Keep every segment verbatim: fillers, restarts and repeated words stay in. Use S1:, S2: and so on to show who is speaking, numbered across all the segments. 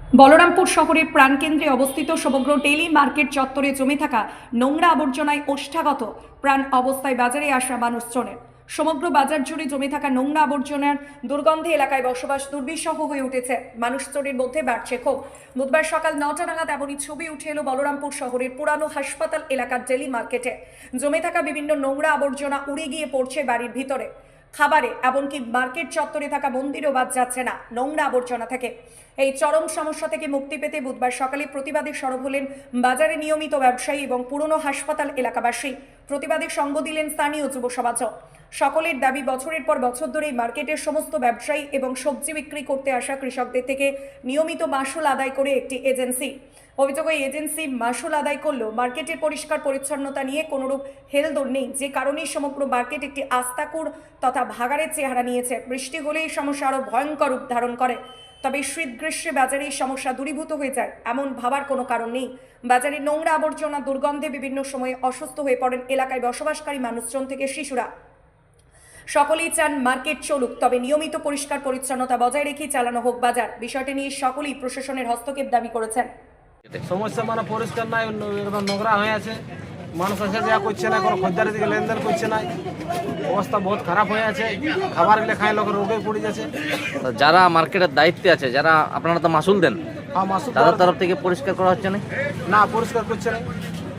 S1: বলরামপুর শহরের প্রাণকেন্দ্রে অবস্থিত সমগ্র ডেইলি মার্কেট চত্বরে জমে থাকা নোংরা আবর্জনায় ওষ্ঠাগত প্রাণ অবস্থায় বাজারে আসা মানুষজনের। সমগ্র বাজার জুড়ে জমে থাকা নোংরা আবর্জনার দুর্গন্ধে এলাকায় বসবাস দুর্বিষহ হয়ে উঠেছে। মানুষজনের মধ্যে বাড়ছে ক্ষোভ। বুধবার সকাল নটা নাগাদ এমনই ছবি উঠে এলো বলরামপুর শহরের পুরানো হাসপাতাল এলাকার ডেইলি মার্কেটে। জমে থাকা বিভিন্ন নোংরা আবর্জনা উড়ে গিয়ে পড়ছে বাড়ির ভিতরে, খাবারে, এমনকি মার্কেট চত্বরে থাকা মন্দিরও বাদ যাচ্ছে না নোংরা আবর্জনা থেকে। এই চরম সমস্যা থেকে মুক্তি পেতে বুধবার সকালে প্রতিবাদে সরব হলেন বাজারে নিয়মিত ব্যবসায়ী এবং পুরনো হাসপাতাল এলাকাবাসী। প্রতিবাদে সঙ্গ দিলেন স্থানীয় যুব সমাজও। সকলের দাবি, বছরের পর বছর ধরে মার্কেটের সমস্ত ব্যবসায়ী এবং সবজি বিক্রি করতে আসা কৃষকদের থেকে নিয়মিত মাসুল আদায় করে একটি এজেন্সি। অভিযোগ, এই এজেন্সি মাসুল আদায় করলেও মার্কেটের পরিষ্কার পরিচ্ছন্নতা নিয়ে কোনোরূপ হেলদোল নেই, যে কারণে সমগ্র মার্কেট একটি আস্তাকুড় তথা ভাগাড়ের চেহারা নিয়েছে। বৃষ্টি হলে এই সমস্যা আরও ভয়ঙ্কর রূপ ধারণ করে। তবে শীত গ্রীষ্মে বাজারে এই সমস্যা দূরীভূত হয়ে যায় এমন ভাবার কোনো কারণ নেই। বাজারে নোংরা আবর্জনা দুর্গন্ধে বিভিন্ন সময়ে অসুস্থ হয়ে পড়েন এলাকায় বসবাসকারী মানুষজন থেকে শিশুরা। সকলেই চান মার্কেট চলুক, তবে নিয়মিত পরিষ্কার পরিচ্ছন্নতা বজায় রেখেই চালানো হোক বাজার। বিষয়টি নিয়ে সকলেই প্রশাসনের হস্তক্ষেপ দাবি করেছেন।
S2: সমস্যা মানে পরিষ্কার নাই, একদম নোংরা হয়ে আছে। মানুষ আসে যা করছে না, কোনো খদ্দারের দিকে লেনদেন করছে না। অবস্থা বহুত খারাপ হয়ে আছে। খাবার গেলে খায় লোকের রোগে পড়ে যাচ্ছে।
S3: তো যারা মার্কেটের দায়িত্বে আছে, যারা আপনারা তো মাসুল দেন,
S2: হ্যাঁ, মাসুল
S3: তাদের তরফ থেকে পরিষ্কার করা হচ্ছে না?
S2: না, পরিষ্কার করছে না।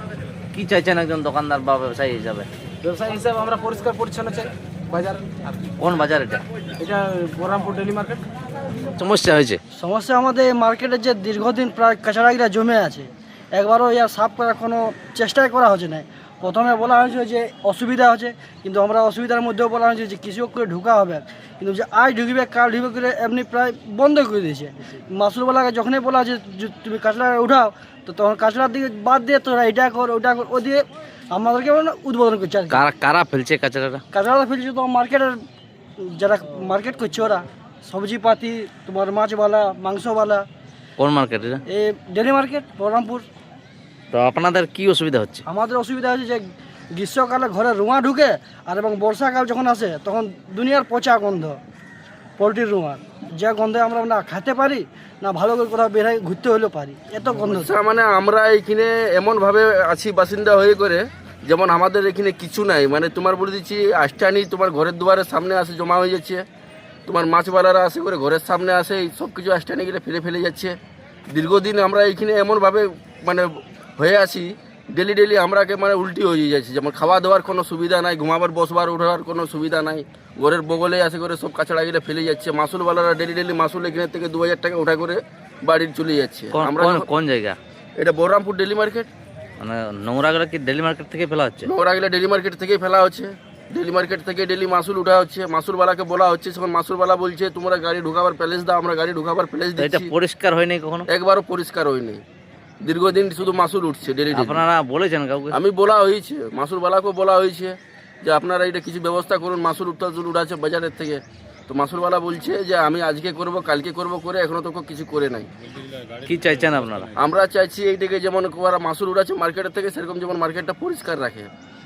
S3: কি চাইছেন একজন দোকানদার বা ব্যবসায়ী হিসাবে?
S2: ব্যবসায়ী হিসাবে আমরা পরিষ্কার পরিচ্ছন্ন চাই বাজার। আর কি?
S3: কোন বাজার এটা?
S2: এটা বলরামপুর ডেইলি মার্কেট।
S3: সমস্যা হয়েছে
S4: সমস্যা আমাদের মার্কেটে যে দীর্ঘদিন প্রায় কাঁচারাগিরা জমে আছে, একবারও ইয়ার সাফ করার কোনো চেষ্টাই করা হচ্ছে না। প্রথমে বলা হয়েছিল যে অসুবিধা হচ্ছে, কিন্তু আমরা অসুবিধার মধ্যেও বলা হয়েছে যে কৃষক করে ঢুকা হবে, কিন্তু যে আজ ঢুকবে কাল ঢুকবে করে এমনি প্রায় বন্ধ করে দিয়েছে। মাসুলওয়ালাকে যখনই বলা হচ্ছে যে তুমি কাঁচড়া উঠাও, তো তখন কাঁচড়ার দিকে বাদ দিয়ে তোরা এটা কর ওটা কর, ও দিয়ে আমাদেরকে উদ্বোধন করছে। আর
S3: কারা কারা ফেলছে কাঁচড়াটা?
S4: কাঁচড়াটা ফেলছে তো মার্কেটের যারা মার্কেট করছে, ওরা সবজিপাতি, তোমার মাছওয়ালা, মাংসওয়ালা।
S3: কোন মার্কেট এটা?
S4: এই ডেলি মার্কেট বলরামপুর।
S3: তো আপনাদের কি অসুবিধা হচ্ছে?
S4: আমাদের অসুবিধা হচ্ছে যে গ্রীষ্মকালে ঘরে রোঁয়া ঢুকে, আর এবং বর্ষাকাল যখন আসে তখন দুনিয়ার পচা গন্ধ, পোলট্রির রোঁয়ার, যে গন্ধে আমরা না খেতে পারি না ভালো করে কোথাও বেরোয় ঘুরতে হলেও পারি, এত গন্ধ।
S5: মানে আমরা এইখানে এমনভাবে আছি বাসিন্দা হয়ে করে, যেমন আমাদের এখানে কিছু নাই। মানে তোমার বলে দিচ্ছি, আষ্টানি তোমার ঘরের দুয়ারের সামনে আসে জমা হয়ে যাচ্ছে। তোমার মাছওয়ালারা আসে করে ঘরের সামনে আসে, এই সব কিছু আষ্টানি গেলে ফেলে ফেলে যাচ্ছে। দীর্ঘদিন আমরা এইখানে এমনভাবে মানে হয়ে আছি, ডেলি ডেলি আমরাকে মানে উল্টি হয়ে যাচ্ছে। যেমন খাওয়া দাওয়ার কোনো সুবিধা নাই, ঘুমাবার বসবার উঠাবার কোনো সুবিধা নাই। ঘরের বগলে আসে করে সব কাছড়া গেলে ফেলে যাচ্ছে। মাসুলওয়ালারা ডেলি ডেলি মাসুল এখানে থেকে দু হাজার টাকা উঠা করে বাড়ির চলে যাচ্ছে। আমরা
S3: কোন জায়গা
S5: এটা? Balarampur daily market.
S3: মানে নোংরাগুলো কি ডেলি মার্কেট থেকে ফেলা হচ্ছে?
S5: নোংরা গেলে ডেলি মার্কেট থেকেই ফেলা হচ্ছে। ডেলি মার্কেট থেকে ডেলি মাসুল উঠা হচ্ছে। মাসুলওয়ালাকে বলা হচ্ছে, তখন মাসুলওয়ালা বলছে তোমরা গাড়ি ঢুকাবার প্যালেস দাও। আমরা গাড়ি ঢুকাবার প্যালেস
S3: এটা
S5: দিচ্ছি।
S3: পরিষ্কার হয়নি কখনো?
S5: একবারও পরিষ্কার হয়নি। দীর্ঘদিন শুধু মাসুল উঠছে ডেলি ডেলি।
S3: আপনারা বলেছেন কাউকে?
S5: আমি বলা হয়েছে, মাসুলওয়ালাকেও বলা হয়েছে যে আপনারা এটা কিছু ব্যবস্থা করুন। মাসুল উঠা উঠাচ্ছে বাজারের থেকে। তো মাসুলওয়ালা বলছে যে আমি আজকে করব, কালকে করব করে এখনো তো কিছু করে নাই।
S3: কি চাইছেন আপনারা?
S5: আমরা চাইছি এইটাকে যেমন ওরা মাসুল উঠাচ্ছে মার্কেটের থেকে, সেরকম যেমন মার্কেটটা পরিষ্কার রাখে।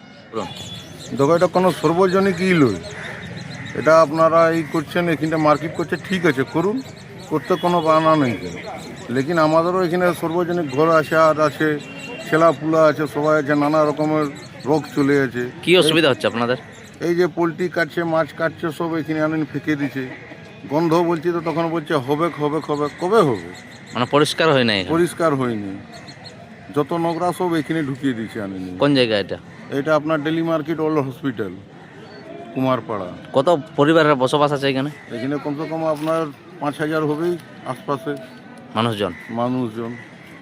S6: দেখো, এটা কোনো সর্বজনিক ই লই। এটা আপনারা এই করছেন, এখানটা মার্কেট করছে, ঠিক আছে করুন, করতে কোনো বানা নেই। লেকিন আমাদেরও এখানে সর্বজনিক ঘর আছে, আর আছে ছেলাপুলা আছে, সবাই আছে, নানা রকমের রোগ চলে আছে।
S3: কি অসুবিধা হচ্ছে আপনাদের?
S6: এই যে পোলট্রি কাটছে, মাছ কাটছে, সব এখানে আনেন ফেঁকে দিচ্ছে। গন্ধ বলছি তো তখন বলছে হবে হবে হবে, কবে হবে?
S3: মানে পরিষ্কার হয় নাই?
S6: পরিষ্কার হয়নি, যত নোংরা সব এখানে ঢুকিয়ে দিচ্ছে আনেনি।
S3: কোন জায়গা এটা?
S6: এটা আপনার daily market old hospital, Kumarpara.
S3: কত পরিবারের বসবাস আছে এখানে?
S6: এখানে কমসে কম আপনার পাঁচ হাজার হবেই আশপাশে
S3: মানুষজন।
S6: মানুষজন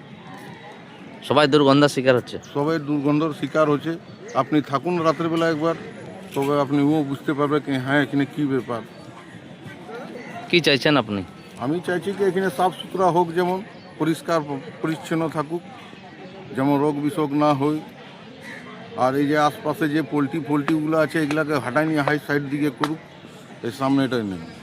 S3: সবাই দুর্গন্ধার শিকার হচ্ছে।
S6: সবাই দুর্গন্ধর শিকার হচ্ছে। আপনি থাকুন রাতের বেলা একবার, তবে আপনি ও বুঝতে পারবে কি হ্যাঁ এখানে কী ব্যাপার।
S3: কি চাইছেন আপনি?
S6: আমি চাইছি কি এখানে সাফ সুতরা হোক, যেমন পরিষ্কার পরিচ্ছন্ন থাকুক, যেমন রোগ বিসোগ না হয়। আর এই যে আশপাশে যে পোলট্রি ফোলট্রিগুলো আছে, এগুলাকে হাঁটাই নিয়ে হাই সাইড দিকে করুক, এর সামনে এটাই নেই।